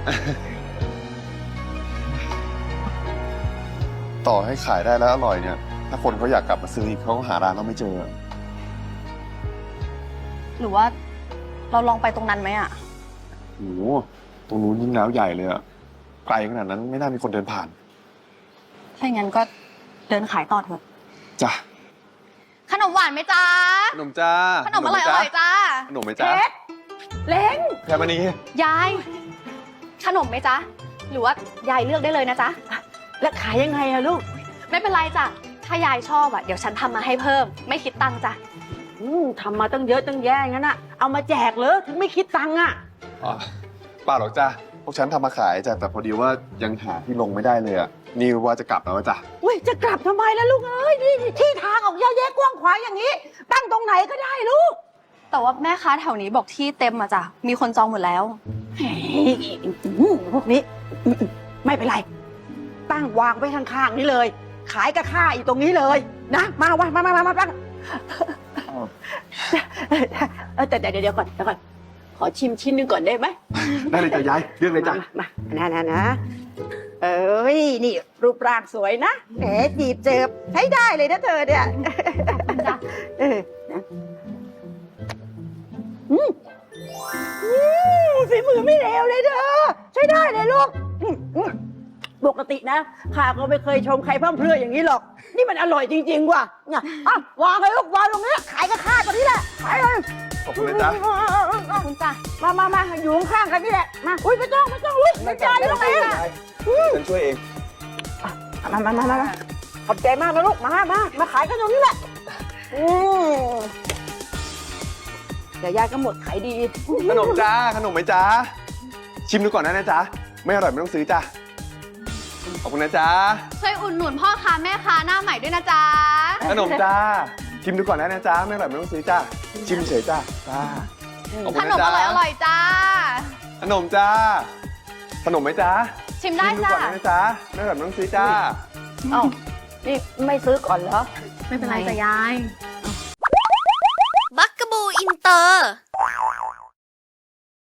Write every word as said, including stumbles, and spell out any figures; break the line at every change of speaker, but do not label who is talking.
ต่อให้ขายได้แล้วอร่อยเนี่ย ถ้าคนเขาอยากกลับมาซื้ออีกเขาก็หาร้านเราไม่เจอ
หรือว่าเราลองไปตรงนั้นไหมอ่ะ
โอ้โหตรงนู้นยิ่งแล้วใหญ่เลยอะไกลขนาดนั้นไม่น่ามีคนเดินผ่าน
ถ้าอย่างนั้นก็เดินขายต่อเถอะ
จ้ะ
ขนมหวานไหมจ๊ะ
ขนมจ้า
ขนมอร่อยอร่อยจ้า
ขนมไหมจ้า
เล้ง
แค่มานี้
ยาย ขนมไหมจ๊ะ หรือว่ายายเลือกได้เลยนะจ๊ะ
แล้วขายยังไงอะลูก
ไม่เป็นไรจ้ะ ถ้ายายชอบอ่ะเดี๋ยวฉันทำมาให้เพิ่ม ไม่คิดตังค์จ้ะ
อืมทำมาตั้งเยอะตั้งแยะงั้นอะเอามาแจกเลยถึงไม่คิดตังค์อะ
อ๋อเปล่าหรอกจ้าพวกฉันทำมาขายจ้ะแต่พอดีว่ายังหาที่ลงไม่ได้เลยอะนี่ว่าจะกลับแล้วจ้ะ
เว้ยจะกลับทำไมล่ะลูกเอ้ยนี่ที่ทางออกเยอะแยะกว้างขวางอย่างนี้ ตั้งตรงไหนก็ได้ลูก
แต่ว่าแม่ค้าแถวนี้บอกที่เต็มอ่ะจ้ะ มีคนจองหมดแล้ว
เฮ้ยอืมพวกนี้อืมไม่เป็นไร ตั้งวางไว้ข้างๆนี่เลย ขายกับข้าอยู่ตรงนี้เลย นะมาวะมามามามาตั้งเออแต่เดี๋ยวเดี๋ยวก่อนเดี๋ยวก่อนขอชิมชิ้นหนึงก่อนได้ไหม
ได้เลยจ้ะยายเรื่องเลยจ้ะ
มามานะนะนะเอ้ยนี่รูปร่างสวยนะแหมจีบเจิบใช้ได้เลยนะเธอเนี่ยจ้ะเออนะอืมอืมฝีมือไม่เลวเลยเธอใช้ได้เลยลูกอืมอืมปกตินะข้าก็ไม่เคยชมใครพร่ำเพรื่ออย่างนี้หรอก นี่มันอร่อยจริงๆว่ะเนี่ยอ่ะวางเลยลูกวางตรงนี้ขายกับข้าตรงนี้แหละขายเลย
ขอบคุณนะจ๊ะ
ขอบคุณจ้ะ
มามามาอยู่ข้างๆกันนี่แหละมาอุ้ยไม่ต้องไม่ต้องลูกไม่จ่ายไม่ต้องเอง
ฉันช่วยเอง
มามามามามาขอบใจมากนะลูก มา มา มาขายกันตรงนี้แหละอืมเดี๋ยวยายก็หมดขายดี
ขนมจ้าขนมไหมจ้าชิมดูก่อนนะนะจ๊ะไม่อร่อยไม่ต้องซื้อจ้ะขอบคุณนะจ๊ะ
ช่วยอุดหนุนพ่อค้าแม่ค้าหน้าใหม่ด้วยนะจ๊ะ
ขนมจ้าชิมดูก่อนนะนะจ๊ะไม่อร่อยไม่ต้องซื้อจ้าชิมเฉยจ้าจ้าขอบคุ
ข
ณ
น
นะ
ม
จ๊ะ
อร่อยอร่อยจ้า
ขนมจ้าขนมไหมจ๊ะ
ชิมได้
ชิมดู
จ้ะ
ก่อนนะจ๊ะไม่อร่อยไม่ต้องซื้อจ้า
เอ้านี่ไม่ซื้อก่อนเหรอ
ไม่เป็นไรจ้ะยาย
บักกะบูอินเตอร์